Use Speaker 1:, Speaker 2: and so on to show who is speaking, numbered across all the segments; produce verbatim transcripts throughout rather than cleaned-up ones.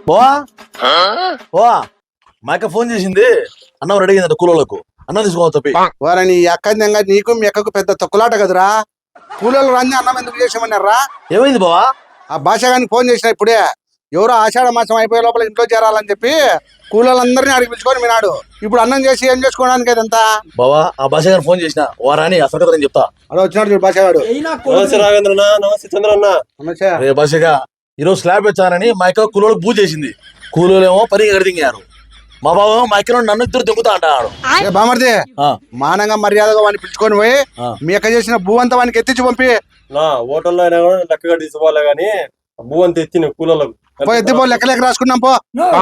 Speaker 1: బోవా బోవా మా అక్క ఫోన్ చేసింది, అన్నం రెడీ అయిందంట కూలోళ్ళకు, అన్నం తీసుకోవాలి తప్పి.
Speaker 2: వారని అక్కదంగా నీకు మీ అక్కకు పెద్ద తొక్కులాట కదరా. కూలోళ్ళు రాని అన్నం ఎందుకు చేసామన్నారా?
Speaker 1: ఏమైంది బావా?
Speaker 2: ఆ భాష గాని ఫోన్ చేసిన ఇప్పుడే, ఎవరో ఆషాఢ మాసం అయిపోయే లోపల ఇంట్లో చేరాలని చెప్పి కూలోళ్ళందరినీ అడిగి పిలుచుకొని వినాడు. ఇప్పుడు అన్నం చేసి ఏం చేసుకోవడానికి అదంతా.
Speaker 1: బావా ఆ భాష గారిని ఫోన్ చేసిన వారాని అసలు నేను చెప్తా.
Speaker 2: అలా వచ్చినాడు చూడు భాషగాడు.
Speaker 3: నమస్తే రాఘవేంద్రనా, నమస్తే చంద్రన్న.
Speaker 2: నమస్తే
Speaker 1: భాషగా ఈరోజు స్లాబ్ వచ్చారని మా అక్క కూలోళ్ళకి పూజ చేసింది. కూలోళ్ళేమో పని ఎగడిదింగారు. మా బావ మా అక్క నన్ను ఇద్దరు దింగుతా అంటాడు.
Speaker 2: బామర్ది మానంగా మర్యాదగా వాడిని పిలుచుకొని పోయి మీ అక్క చేసిన భూ అంతా వానికి ఎత్తించి పంపి.
Speaker 3: నా హోటల్లో అయినా కూడా లెక్కగా తీసుకోవాలి గానీ భూ అంతా ఎత్తి కూలోళ్ళకు
Speaker 2: ఎత్తిపో లెక్క లెక్క రాసుకున్నాం పో.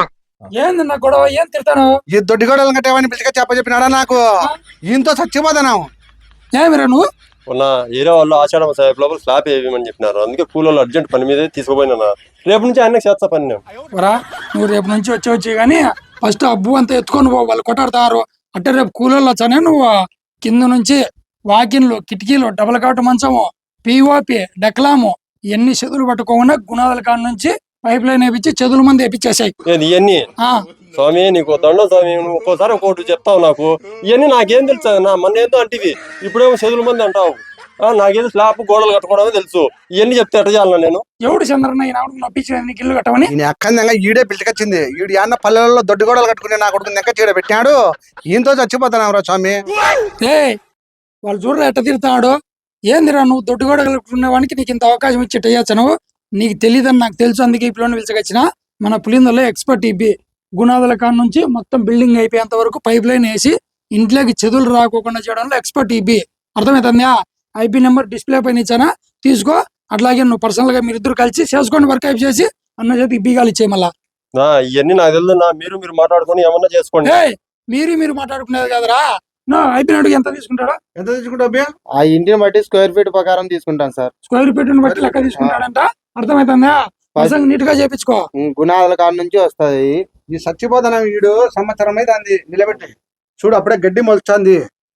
Speaker 4: ఏంది నా గొడవ? ఏం తిడతాను?
Speaker 2: ఈ దొడ్డి గొడవలు కట్టేవాడిని పిలిచిగా చెప్ప చెప్పినాడా నాకు? ఈయనతో చచ్చిపోతాను.
Speaker 4: ఏమిరా నువ్వు?
Speaker 3: ఉన్న ఏరియా వాళ్ళు ఆషాఢ మాసం లోపల స్లాబ్ వేయమని చెప్పినారు. అందుకే కూలోళ్ళు అర్జెంట్ పని మీద తీసుకుపోయినా. రేపు నుంచి ఆయన చేస్తా పని నేను.
Speaker 4: నువ్వు రేపు నుంచి వచ్చి వచ్చి గానీ ఫస్ట్ అబ్బు అంతా ఎత్తుకొని పో, వాళ్ళు కొట్టాడుతారు. అంటే రేపు కూలోళ్ళు వచ్చానే నువ్వు కింద నుంచి వాకిన్లు, కిటికీలు, డబల్ కాటు మంచము, పిఓపి, డెక్లాము ఇవన్నీ చెదులు పట్టుకోకుండా గుణాల కాడ నుంచి పైప్ లైన్ వేపించి చెదుల మంది వేపించేసాయి.
Speaker 3: ఇవన్నీ స్వామి నీకు దండం స్వామి, నువ్వు ఒక్కోసారి ఒక్కోటి చెప్తావు నాకు. ఇవన్నీ నాకేం తెలుసు నా మొన్న ఏందో అంటివి, ఇప్పుడేమో చెదుల మంది అంటావు. నాకేదో స్లాబ్ గోడలు కట్టుకోవడమే తెలుసు. ఇవన్నీ చెప్తే ఎట్ట చేయాలన్నా నేను?
Speaker 4: ఎవడు చంద్రన్న నప్పించిన ఇల్లు కట్టమని
Speaker 2: అక్కంగా ఈడే పిలిచికొచ్చింది. ఈడు అన్న పల్లెలలో దొడ్డి గోడలు కట్టుకుని నా కొడుకు నెక్క చీడ పెట్టాడు. ఈయనతో చచ్చిపోతాను రా స్వామి.
Speaker 4: ఏ వాళ్ళు చూడరా ఎట్ట తిరుగుతాడు. ఏందిరా నువ్వు దొడ్డి గోడ కట్టుకునేవానికి నీకు ఇంత అవకాశం ఇచ్చి అయ్యచ్చు. నువ్వు నీకు తెలియదని నాకు తెలుసు, అందుకే ఈ పిల్లని పిలిచకొచ్చిన. మన పులిందలో ఎక్స్పర్ట్ ఇబ్బి గుణాదుల కాడ నుంచి మొత్తం బిల్డింగ్ అయిపోయేంత వరకు పైప్ లైన్ వేసి ఇంట్లోకి చెదులు రాకోకుండా చేయడంలో ఎక్స్పర్ట్ ఇబ్బి. అర్థమవుతుందా? ఐపీ నెంబర్ డిస్ప్లే పైన ఇచ్చానా, తీసుకో. అట్లాగే నువ్వు పర్సనల్ గా మీరిద్దరు కలిసి చేసుకోండి, వర్క్ అయిపు చేసి అన్న చేతి ఇబ్బీగాలు ఇచ్చే. మళ్ళా
Speaker 3: ఇవన్నీ నాకు తెలియదు. మీరు మీరు మాట్లాడుకొని ఏమన్నా చేసుకోండి.
Speaker 4: మీరు మీరు మాట్లాడుకునేది కదరా. ఐపీ అడుగు ఎంత తీసుకుంటాడా?
Speaker 2: ఎంత తీసుకుంటా?
Speaker 5: ఆ ఇంటిని బట్టి స్క్వేర్ ఫీట్ ప్రకారం తీసుకుంటాను సార్.
Speaker 4: స్క్వేర్ ఫీట్ బట్టి లెక్క తీసుకుంటాడంట. అర్థమవుతుందా? నీట్ గా చేపించుకో.
Speaker 5: గుణాల కాడ నుంచి వస్తుంది.
Speaker 2: ఈ చచ్చిపోతాను వీడు సంవత్సరం అయితే అంది నిలబెట్టి చూడు. అప్పుడే గడ్డి మొలుస్తుంది,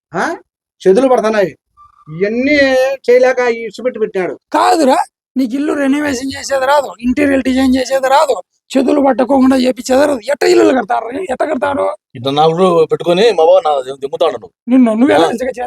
Speaker 2: చెదులు పడుతున్నాయి. ఇవన్నీ చేయలేక ఇసుపెట్టి పెట్టినాడు.
Speaker 4: కాదురా, నీకు ఇల్లు రెనోవేషన్ చేసేది రాదు, ఇంటీరియర్ డిజైన్ చేసేది రాదు, చెదులు పట్టుకోకుండా చేపించేది రాదు. ఎట్ట ఇల్లు కడతారు? ఎట్ట కడతారు?
Speaker 1: ఇట్లా నాకు పెట్టుకొని మా బావ దింగుతాడు.
Speaker 4: నిన్ను నువ్వు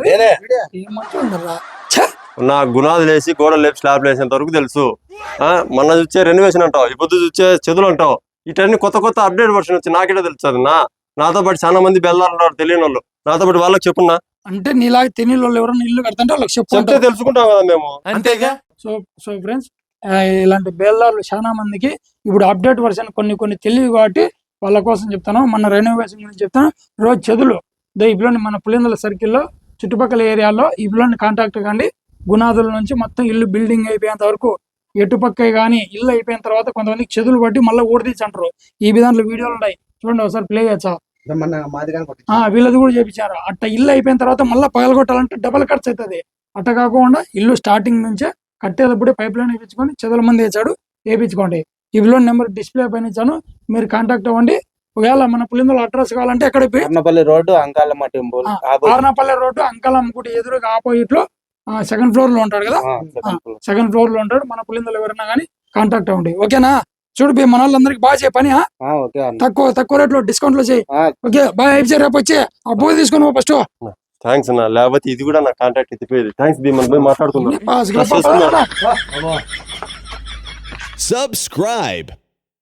Speaker 3: నా గుణాలు వేసి గోడలు లేపి స్లాబ్ వేసేంత వరకు తెలుసు. మొన్న చూసే రెనోవేషన్ అంటావు, ఇప్పుడు చూసే చెదులు అంటావు. ఇటన్నీ కొత్త కొత్త అప్డేట్ వర్షన్ వచ్చి నాకేటో తెలుస్తుంది. నా నాతో పాటు చాలా మంది బెల్లారు ఉన్నారు తెలియని వాళ్ళు. నాతో పాటు వాళ్ళకి చెప్పున్నా
Speaker 4: అంటే నీలాగా తెలియని వాళ్ళు ఎవరైనా ఇల్లు కడతాంటే వాళ్ళకి చెప్తే
Speaker 3: తెలుసుకుంటాం కదా మేము.
Speaker 1: అంతేగా.
Speaker 4: సో సో ఫ్రెండ్స్, ఇలాంటి బేల్దారులు చాలా మందికి ఇప్పుడు అప్డేట్ వర్షన్ కొన్ని కొన్ని తెలియదు కాబట్టి వాళ్ళ కోసం చెప్తాను. మన రెనోవేషన్ గురించి చెప్తాను. రోజు చెదులు ఈ పిల్లని మన పులిందల సర్కిల్లో చుట్టుపక్కల ఏరియాలో ఈ పిల్లని కాంటాక్ట్ కండి. గుణాదుల నుంచి మొత్తం ఇల్లు బిల్డింగ్ అయిపోయేంత వరకు ఎటుపక్క కానీ ఇల్లు అయిపోయిన తర్వాత కొంతమందికి చెదులు పట్టి మళ్ళీ ఊడదీసి అంటారు. ఈ విధానంలో వీడియోలు ఉన్నాయి, చూడండి ఒకసారి ప్లే చేయచ్చా. వీళ్ళది కూడా చేపించారు. అట్ట ఇల్లు అయిపోయిన తర్వాత మళ్ళీ పగలగొట్టాలంటే డబల్ ఖర్చు అవుతుంది. అట్ట కాకుండా ఇల్లు స్టార్టింగ్ నుంచే కట్టేటప్పుడే పైప్ లైన్ వేయించుకొని చెదల మంది వేసాడు వేయించుకోండి. ఈ విలువ నెంబర్ డిస్ప్లే పైన ఇచ్చాను, మీరు కాంటాక్ట్ అవ్వండి. ఒకవేళ మన పులిందల అడ్రస్ కావాలంటే ఎక్కడ
Speaker 5: road Ankalamma temple,
Speaker 4: Arnapalli road Ankalamma గుడి ఎదురుగా ఆపోజిట్ లో సెకండ్ ఫ్లోర్ లో ఉంటాడు కదా. సెకండ్ ఫ్లోర్ లో ఉంటాడు. మన పులిందలు ఎవరైనా కానీ కాంటాక్ట్ అవ్వండి. ఓకేనా? చూడు బి మన వాళ్ళందరికి బాగా చేయ పని, తక్కువ తక్కువ రేట్ లో డిస్కౌంట్ లో చేయి. Okay bye. అయిపోయి రేపు వచ్చి ఆ బోయ్ తీసుకుని ఫస్ట్.
Speaker 3: థ్యాంక్స్ అన్న, లేకపోతే ఇది కూడా నా కాంటాక్ట్ ఎత్తిపోయేది. థ్యాంక్స్ బి, మనం మాట్లాడుకుందాం.
Speaker 6: Subscribe.